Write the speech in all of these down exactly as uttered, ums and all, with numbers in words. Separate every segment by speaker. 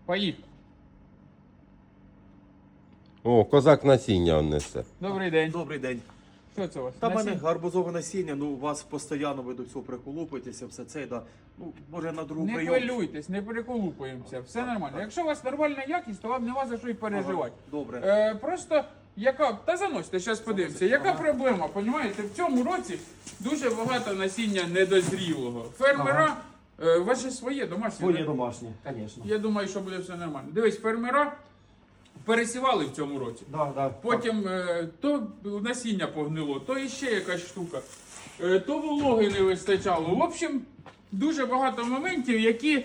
Speaker 1: Поїхали.
Speaker 2: О, козак насіння он несе.
Speaker 1: Добрий день.
Speaker 3: Добрий день.
Speaker 1: Що це у вас?
Speaker 3: Та в мене
Speaker 1: Насіння?
Speaker 3: гарбузове насіння, ну у вас постійно ви до цього приколупуєтеся, все це, да. Ну, може на другу
Speaker 1: Не
Speaker 3: прийом.
Speaker 1: хвилюйтесь, не переколупуємося, все нормально. Якщо у вас нормальна якість, то вам нема за що й переживати.
Speaker 3: Добре.
Speaker 1: Е, просто яка. Та заносьте, зараз подивимося. Яка
Speaker 3: Ага.
Speaker 1: проблема? Понімаєте, в цьому році дуже багато насіння недозрілого. Фермера, е, ваше своє домашнє.
Speaker 3: Своє
Speaker 1: да?
Speaker 3: домашнє, звісно.
Speaker 1: Я думаю, що буде все нормально. Дивись, фермера пересівали в цьому році.
Speaker 3: Да, да.
Speaker 1: Потім е, то насіння погнило, то іще якась штука, е, то вологи не вистачало. В общем, дуже багато моментів, які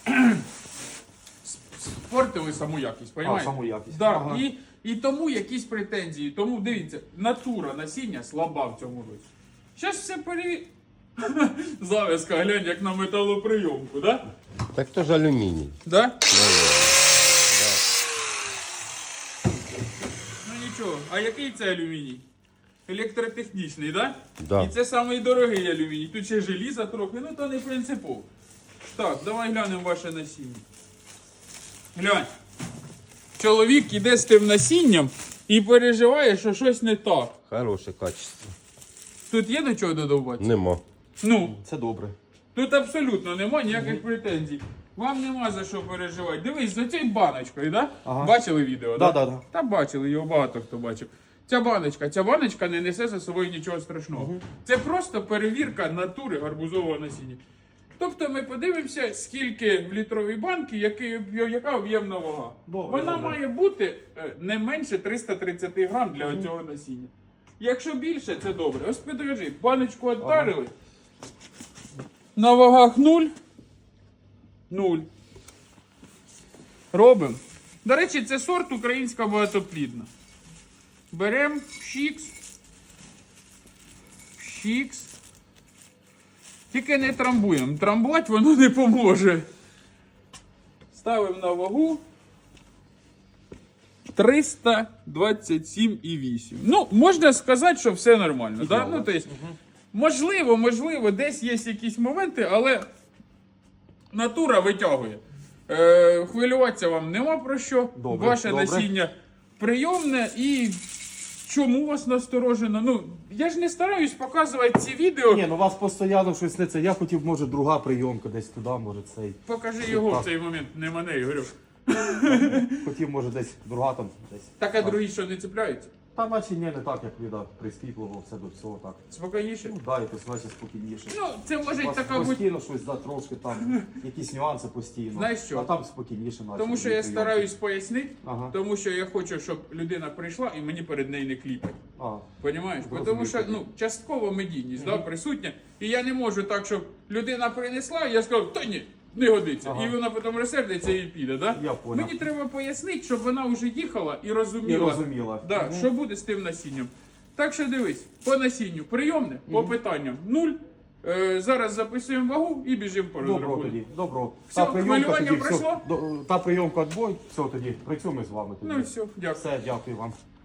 Speaker 1: спортили саму якість.
Speaker 3: А,
Speaker 1: Понімаєте?
Speaker 3: саму якість.
Speaker 1: Да,
Speaker 3: Ага.
Speaker 1: і, і тому якісь претензії. Тому дивіться, натура насіння слаба в цьому році. Зараз все переві... Завязка, глянь, як на металоприйомку, да?
Speaker 2: Так то ж алюміній.
Speaker 1: Да? Ну нічого, а який це алюміній? Електротехнічний, да?
Speaker 2: Да.
Speaker 1: І це самий дорогий алюміній. Тут ще желіза трохи, ну то не принципово. Так, давай глянемо ваше насіння. Глянь. Чоловік іде з тим насінням і переживає, що щось не так.
Speaker 2: Хороше качество.
Speaker 1: Тут є до чого додовбати?
Speaker 2: Нема.
Speaker 1: Ну,
Speaker 3: Це добре.
Speaker 1: тут абсолютно нема ніяких претензій. Вам нема за що переживати. Дивись, за цією баночкою, да?
Speaker 3: Ага.
Speaker 1: Бачили відео,
Speaker 3: Да,
Speaker 1: да?
Speaker 3: да, да.
Speaker 1: Та бачили, його багато хто бачив. Ця баночка, ця баночка не несе за собою нічого страшного. Це просто перевірка натури гарбузового насіння. Тобто ми подивимося, скільки в літровій банці, який, яка об'ємна вага.
Speaker 3: Добре,
Speaker 1: Вона
Speaker 3: добре.
Speaker 1: має бути е, не менше триста тридцять грам для цього насіння. Якщо більше, це добре. Ось підожди, баночку віддарили. На вагах нуль. Нуль. Робимо. До речі, це сорт українська багатоплідна. Беремо пшікс. Пшікс. Тільки не трамбуємо. Трамбувати воно не поможе. Ставимо на вагу. триста двадцять сім і вісім. Ну, можна сказати, що все нормально. Да? Ну, то есть, можливо, можливо, десь є якісь моменти, але натура витягує. Е, хвилюватися вам нема про що.
Speaker 3: Добре,
Speaker 1: Ваше
Speaker 3: добре.
Speaker 1: насіння прийомне і чому вас насторожено? Ну, я ж не стараюсь показувати ці відео.
Speaker 3: Ні, ну у вас постійно щось не це. Я хотів, може, друга прийомка десь туди, може цей.
Speaker 1: Покажи його в цей момент, не мене, Ігорю.
Speaker 3: Хотів, може, десь друга там десь.
Speaker 1: Так, а другі що не цепляються?
Speaker 3: Та наче ні, не так, як віда прискіпливо, все до всього так.
Speaker 1: Спокійніше?
Speaker 3: Ну, да, якось наче спокійніше.
Speaker 1: Ну, це може
Speaker 3: У вас
Speaker 1: така бути.
Speaker 3: постійно щось за трошки там, якісь нюанси постійно.
Speaker 1: Знаєш що?
Speaker 3: А там спокійніше наче.
Speaker 1: Тому що я
Speaker 3: прийомки.
Speaker 1: стараюсь пояснити,
Speaker 3: Ага.
Speaker 1: тому що я хочу, щоб людина прийшла і мені перед нею не кліпать.
Speaker 3: А,
Speaker 1: Понімаєш? Бо
Speaker 3: Розумію.
Speaker 1: Тому що ну, частково медійність да, присутня. І я не можу так, щоб людина принесла, і я сказав, та ні, не годиться.
Speaker 3: Ага.
Speaker 1: І вона потім розсердиться і піде. Да?
Speaker 3: Я понял.
Speaker 1: Мені треба пояснити, щоб вона вже їхала і розуміла,
Speaker 3: І розуміла.
Speaker 1: Да,
Speaker 3: Мгм.
Speaker 1: що буде з тим насінням. Так що дивись, по насінню прийомне, по питанням нуль. Е, зараз записуємо вагу і біжимо по
Speaker 3: Добро
Speaker 1: розрахунку.
Speaker 3: тоді, добро.
Speaker 1: Все, хвилювання пройшло?
Speaker 3: Все, до- та прийомка відбой, все тоді, працюємо з вами тоді.
Speaker 1: Ну і все, дякую.
Speaker 3: Все, дякую вам.